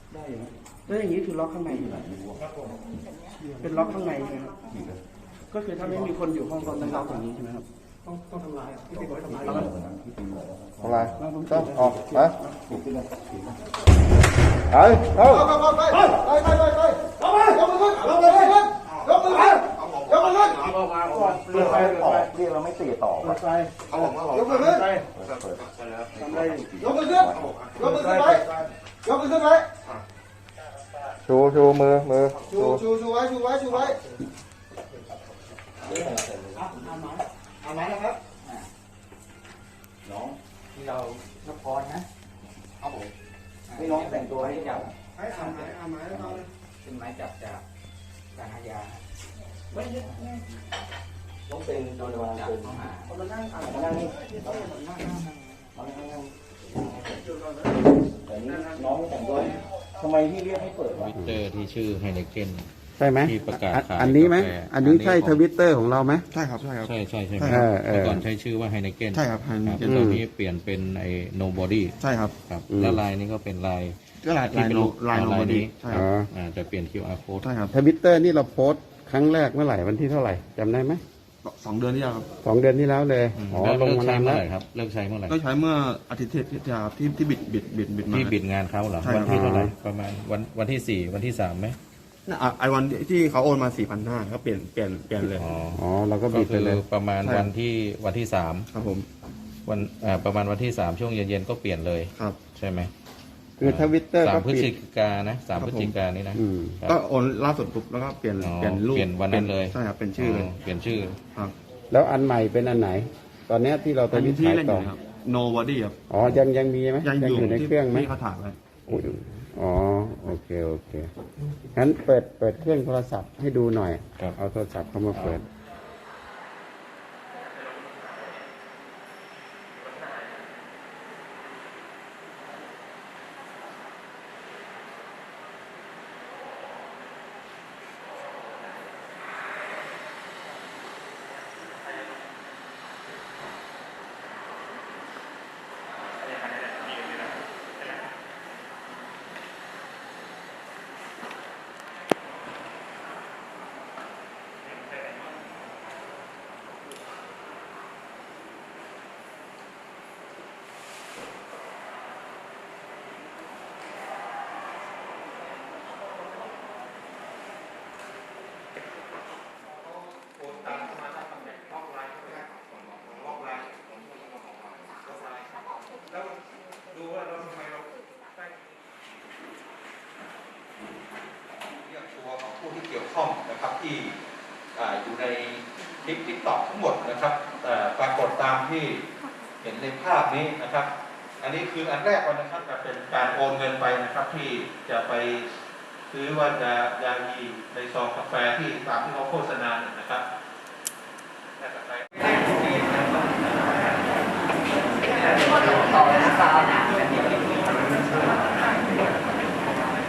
ได้อยู่แล้วอย่างนี้คือล็อกข้างในอยู่เป็นล็อกข้างในใช่ไหมครับก็คือถ้าไม่มีคนอยู่ห้องก็ต้องล็อกอย่างนี้ใช่ไหมครับต้องทำลายพี่บอกให้ทำลายแล้วอะไรต้องออกไปเรียกเราไม่ตีต่อไปยกมือขึ้นยกมือขึ้นยกมือขึ้นไว้ยกมือขึ้นไว้ชูมือชูไว้เอาไม้นะครับน้องที่เรานครนะเอาผมไม่น้องแต่งตัวให้จับให้เอาไม้แล้วเป็นไม้จับจากการอาญาไม่ต้องเป็นโดนวางเป็นข้อหามานั่งนี่แต่นี่น้องแต่งตัวทำไมพี่เรียกให้เปิดวิตเตอร์ที่ชื่อไฮเนเกนใช่ไหมที่ประกาศขายอันนี้ไหมอันนี้ใช่ทวิตเตอร์ของเราไหมใช่ใช่ไหมเมื่อก่อนใช้ชื่อว่าไฮเนเกนใช่ครับตอนนี้เปลี่ยนเป็นไอ้โนบอดี้ใช่ครับแล้วลายนี้ก็เป็นลายโนบอดี้ใช่ครับจะเปลี่ยน QR code ใช่ครับทวิตเตอร์นี่เราโพสต์ครั้งแรกเมื่อไหร่วันที่เท่าไหร่จำได้ไหม 2 เดือนที่แล้วครับ 2 เดือนที่แล้วเลยลงมานานแล้วครับเลิกใช้เมื่อไหร่ก็ใช้เมื่ออาทิตย์ที่แล้วที่บิดมาที่บิดงานเขาเหรอวันที่เท่าไหร่ประมาณวันที่4วันที่3ไหมไอวันที่เขาโอนมา 4,500ก็เปลี่ยนเลยอ๋อเราก็บิดไปเลยประมาณวันที่3 ครับผมวันประมาณวันที่3ช่วงเย็นๆก็เปลี่ยนเลยครับใช่ไหมคือทวิตเตอร์ 3 พฤศจิกายนนะ3 พฤศจิกายนนี้นะก็โอนล่าสุดปุ๊บแล้วก็เปลี่ยนรูปเปลี่ยนวันนั้นเลยใช่ครับเป็นชื่อเลยเปลี่ยนชื่อครับแล้วอันใหม่เป็นอันไหนตอนนี้ที่เราทวิตขายต่อ Nobody ครับอ๋อยังมีไหมยังอยู่ในเครื่องไหมที่เขาถ่ายไว้อ๋อโอเคงั้นเปิดเครื่องโทรศัพท์ให้ดูหน่อยเอาโทรศัพท์เข้ามาเปิดผู้ที่เกี่ยวข้องนะครับที่อยู่ในคลิปTikTokทั้งหมดนะครับปรากฏตามที่เห็นในภาพนี้นะครับอันนี้คืออันแรกวันนะครับจะเป็นการโอนเงินไปนะครับที่จะไปซื้อว่ายายีในซองกาแฟที่ตามที่เขาโฆษณานะครับ